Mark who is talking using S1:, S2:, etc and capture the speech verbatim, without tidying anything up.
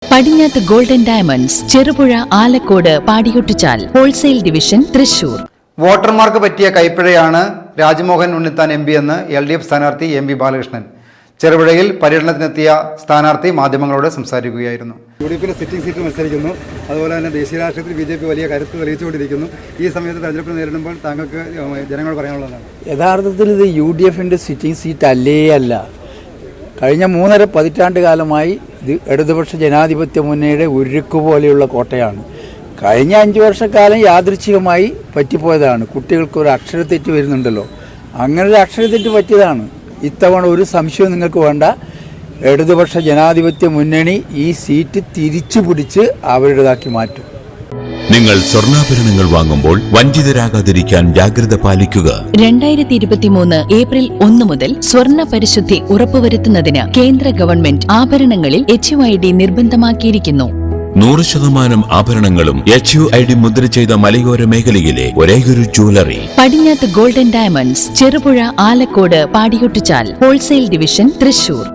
S1: പടിഞ്ഞാത്ത് Golden Diamonds, Cherupuzha, Alakode, Padiyottuchal wholesale division, Thrissur.
S2: വോട്ടർമാർക്ക് പറ്റിയ കൈപ്പിഴയാണ് രാജ്മോഹൻ ഉണ്ണിത്താൻ എം പി എന്ന് എൽ ഡി എഫ് സ്ഥാനാർത്ഥി എം വി ബാലകൃഷ്ണൻ. ചെറുപുഴയിൽ പര്യടനത്തിനെത്തിയ സ്ഥാനാർത്ഥി മാധ്യമങ്ങളോട് സംസാരിക്കുകയായിരുന്നു.
S3: യു ഡി എഫിൻ്റെ സിറ്റിംഗ് സീറ്റ് മത്സരിക്കുന്നു. അതുപോലെ തന്നെ ദേശീയ രാഷ്ട്രീയത്തിൽ ബി ജെ പി വലിയ കരുത്ത് തെളിയിച്ചുകൊണ്ടിരിക്കുന്നു. ഈ സമയത്ത് തെരഞ്ഞെടുപ്പ് നേരിടുമ്പോൾ താങ്കൾക്ക് ജനങ്ങൾ പറയാനുള്ളതാണ്.
S4: യഥാർത്ഥത്തിൽ ഇത് യു ഡി എഫിൻ്റെ സിറ്റിംഗ് സീറ്റ് അല്ലേ അല്ല. കഴിഞ്ഞ മൂന്നര പതിറ്റാണ്ട് കാലമായി ഇത് ഇടതുപക്ഷ ജനാധിപത്യ മുന്നണിയുടെ ഉരുക്ക് പോലെയുള്ള കോട്ടയാണ്. കഴിഞ്ഞ അഞ്ച് വർഷക്കാലം യാദൃച്ഛികമായി പറ്റിപ്പോയതാണ്. കുട്ടികൾക്ക് ഒരു അക്ഷരത്തെറ്റ് വരുന്നുണ്ടല്ലോ, അങ്ങനെ ഒരു അക്ഷരത്തെറ്റ് പറ്റിയതാണ്. ഇത്തവണ ഒരു സംശയവും നിങ്ങൾക്ക് വേണ്ട. ഇടതുപക്ഷ ജനാധിപത്യ മുന്നണി ഈ സീറ്റ് തിരിച്ചു പിടിച്ച് അവരുടേതാക്കി മാറ്റും.
S5: നിങ്ങൾ സ്വർണ്ണാഭരണങ്ങൾ വാങ്ങുമ്പോൾ വഞ്ചിതരാകാതിരിക്കാൻ ജാഗ്രത പാലിക്കുക.
S1: രണ്ടായിരത്തി ഇരുപത്തിമൂന്ന് ഏപ്രിൽ ഒന്ന് മുതൽ സ്വർണ്ണ പരിശുദ്ധി ഉറപ്പുവരുത്തുന്നതിന് കേന്ദ്ര ഗവൺമെന്റ് ആഭരണങ്ങളിൽ എച്ച് യു ഐ ഡി നിർബന്ധമാക്കിയിരിക്കുന്നു.
S5: നൂറ് ശതമാനം ആഭരണങ്ങളും എച്ച് യു ഐ ഡി മുദ്ര ചെയ്ത മലയോര മേഖലയിലെ ഒരേയൊരു jewellery.
S1: Padinjath Golden Diamonds, Cherupuzha, Alakode, Padiyottuchal wholesale division, Thrissur.